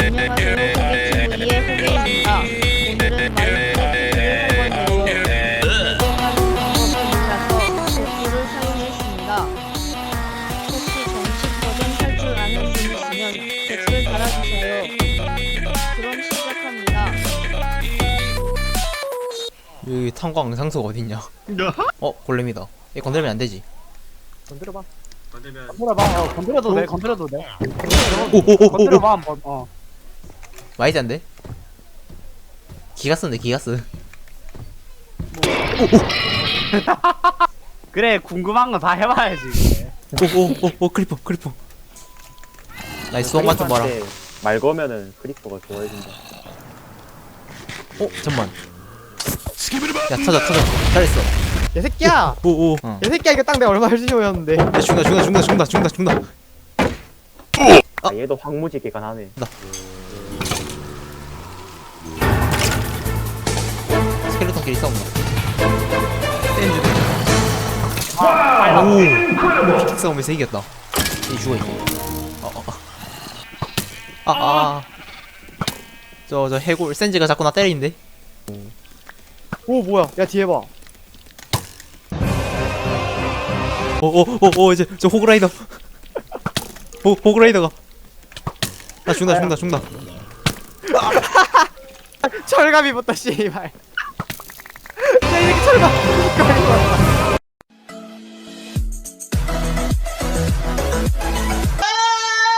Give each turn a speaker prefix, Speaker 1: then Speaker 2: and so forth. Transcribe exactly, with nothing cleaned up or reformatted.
Speaker 1: 안녕하세요. 소개팅 이의 후배입니다. 오늘은 마이크를 한번 내고 사용하는 방법을 몰라서 도구를 사용했습니다. 혹시 정식 버전 할 줄 아는 분 있으면 댓글 달아주세요. 그럼 시작합니다.
Speaker 2: 여기 탄광 상석 어딨냐? 어 골렘이다. 얘 건드리면 안 되지.
Speaker 3: 건드려봐.
Speaker 4: 건들면
Speaker 3: 건드려봐. 어, 건드려도 돼. 건드려도 돼.
Speaker 2: 오오오오오.
Speaker 3: 건드려봐 한번. 어.
Speaker 2: 많이 짠데? 기가 쓰네 기가 쓰.
Speaker 3: 그래 궁금한 거 다 해봐야지.
Speaker 2: 오오오오 크리퍼 크리퍼. 나이스 똥만 좀 봐라.
Speaker 5: 말 거면은 크리퍼가 좋아해준다.
Speaker 2: 어 잠만. 야 터져 터져. 잘했어.
Speaker 6: 야 새끼야!
Speaker 2: 오오. 어.
Speaker 6: 야 새끼야 이거 딱 내가 얼마 열심히였는데.
Speaker 2: 야 죽는다 죽는다 죽는다 죽는다 죽는다 죽는다.
Speaker 5: 아, 얘도 황무지개가 나네.
Speaker 2: 스켈레톤끼리 싸운다. 샌즈. 오. 픽 싸움에서 이겼다. 이 죽어 이거. 어어. 아 아. 저 저 해골 샌즈가 자꾸 나 때리는데.
Speaker 6: 오 뭐야? 야 뒤에 봐.
Speaker 2: 오오오오 이제 저 호그라이더. 호 호그라이더가. 나 죽는다 죽는다 죽는다.
Speaker 6: 철갑 입었다 씨발. 야 이렇게 철갑.